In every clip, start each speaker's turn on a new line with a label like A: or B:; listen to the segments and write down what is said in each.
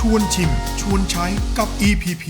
A: วนชิมชวนใช้กับ EPP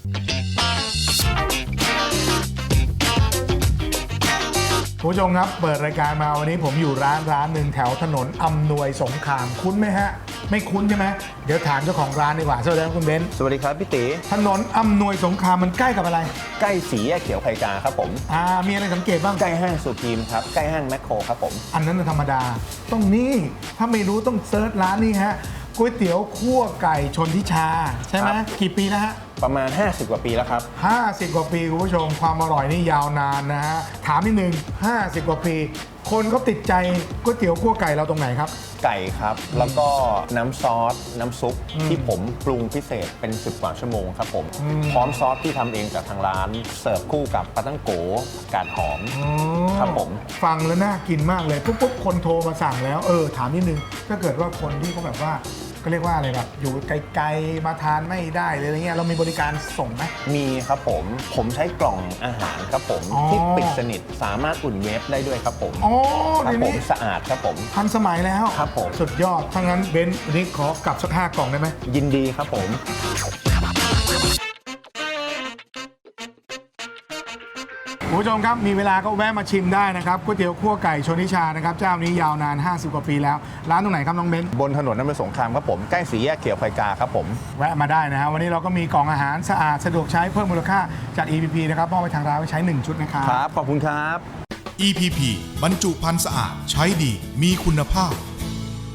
B: คุณผู้ชมครับเปิดรายการมาวันนี้ผมอยู่ร้านหนึ่งแถวถนนอำนวยสงครามคุ้นไหมฮะไม่คุ้นใช่ไหมเดี๋ยวถามเจ้าของร้านดีกว่าสวัสดีครับคุณเบนซ์
C: สวัสดีครับพี่ตี
B: ถนนอำนวยสงครามมันใกล้กับอะไร
C: ใกล้สีแยกเขียวไผ่กาครับผม
B: มีอะไรสังเกตบ้าง
C: ใกล้ห้างสุพีมครับใกล้ห้างแมคโครครับผม
B: อันนั้นธรรมดาต้องนี่ถ้าไม่รู้ต้องเซิร์ชร้านนี้ฮะก๋วยเตี๋ยวคั่วไก่ชนทิชาใช่ไหมกี่ปีแล้วฮะ
C: ประมาณ50กว่าปีแล้วครับ
B: 50 กว่าปีคุณผู้ชมความอร่อยนี่ยาวนานนะฮะถามนิดนึง50 กว่าปีคนเขาติดใจก๋วยเตี๋ยวคั่วไก่เราตรงไหนครับ
C: ไก่ครับแล้วก็น้ำซอสน้ำซุปที่ผมปรุงพิเศษเป็น10 กว่าชั่วโมงครับผมพร้อมซอสที่ทำเองจากทางร้านเสิร์ฟคู่กับปลาตั้งโกผักกาดหอมครับผม
B: ฟังแล้วน่ากินมากเลยปุ๊บคนโทรมาสั่งแล้วถามนิดนึงถ้าเกิดว่าคนที่เขาแบบว่าก็เรียกว่าอะไรแบบอยู่ไกลๆมาทานไม่ได้เลยอะไรเงี้ยเรามีบริการส่งไหม
C: มีครับผมใช้กล่องอาหารครับผมที่ปิดสนิทสามารถอุ่นเวฟได้ด้วยครับผมครับผมสะอาดครับผม
B: ทันสมัยแล้ว
C: ครับผม
B: สุดยอดถ้างั้นเบนซ์วันนี้ขอกลับสัก5 กล่องได้ไหม
C: ยินดีครับผม
B: คุณผู้ชมครับมีเวลาก็แวะมาชิมได้นะครับก๋วยเตี๋ยวคั่วไก่ชนทิชานะครับเจ้านี้ยาวนาน50 กว่าปีแล้วร้านตรงไหนครับน้องเบนซ์
C: บนถนนอำนวยสงครามครับผมใกล้สีแยกเขียวไผ่กาครับผม
B: แวะมาได้นะฮะวันนี้เราก็มีกล่องอาหารสะอาดสะดวกใช้เพิ่มมูลค่าจาก EPP นะครับมอบไปทางร้านไว้ใช้1ชุดนะครับ
C: ครับขอบคุณครับ
A: EPP บรรจุภัณฑ์สะอาดใช้ดีมีคุณภาพ